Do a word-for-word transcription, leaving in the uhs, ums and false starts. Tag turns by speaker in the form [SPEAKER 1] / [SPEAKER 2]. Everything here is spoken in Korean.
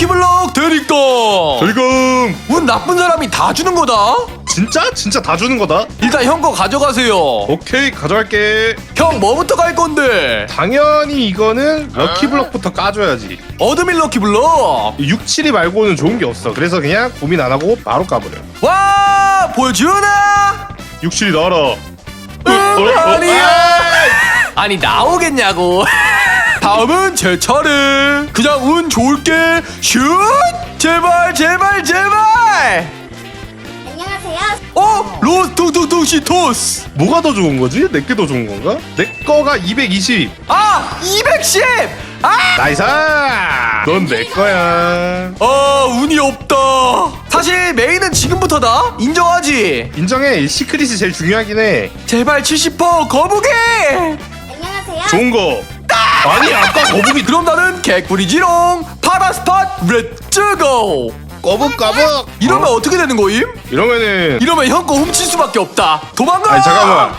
[SPEAKER 1] 럭키블럭 대릭동.
[SPEAKER 2] 벌금.
[SPEAKER 1] 운 나쁜 사람이 다 주는 거다.
[SPEAKER 2] 진짜? 진짜 다 주는 거다?
[SPEAKER 1] 일단 형 거 가져가세요.
[SPEAKER 2] 오케이, 가져갈게.
[SPEAKER 1] 형 뭐부터 갈 건데?
[SPEAKER 2] 당연히 이거는 럭키블럭부터 까줘야지.
[SPEAKER 1] 어드밀 럭키블럭.
[SPEAKER 2] 육, 칠이 말고는 좋은 게 없어. 그래서 그냥 고민 안 하고 바로 까버려.
[SPEAKER 1] 와 보여주나?
[SPEAKER 2] 육, 칠이 나와라.
[SPEAKER 1] 응,
[SPEAKER 2] 어, 어,
[SPEAKER 1] 아니야.
[SPEAKER 2] 아이!
[SPEAKER 1] 아니 나오겠냐고. 다음은 제 차례. 그냥 운 좋을게. 슛! 제발 제발 제발.
[SPEAKER 3] 안녕하세요.
[SPEAKER 1] 어? 로스 퉁퉁퉁 시토스.
[SPEAKER 2] 뭐가 더 좋은 거지? 내게 더 좋은 건가? 내 거가 이백이십.
[SPEAKER 1] 아 이백십. 아!
[SPEAKER 2] 나이스! 넌 내 거야.
[SPEAKER 1] 아 운이 없다. 사실 메인은 지금부터다. 인정하지?
[SPEAKER 2] 인정해. 시크릿이 제일 중요하긴 해.
[SPEAKER 1] 제발 칠십 퍼센트 거북이.
[SPEAKER 3] 안녕하세요.
[SPEAKER 2] 좋은 거. 아니, 아까 거북이
[SPEAKER 1] 그럼 나는 개꿀이지롱. 파라스팟 렛츠고.
[SPEAKER 2] 거북거북.
[SPEAKER 1] 이러면 어? 어떻게 되는 거임?
[SPEAKER 2] 이러면은
[SPEAKER 1] 이러면 형 거 훔칠 수밖에 없다. 도망가.
[SPEAKER 2] 아니 잠깐만.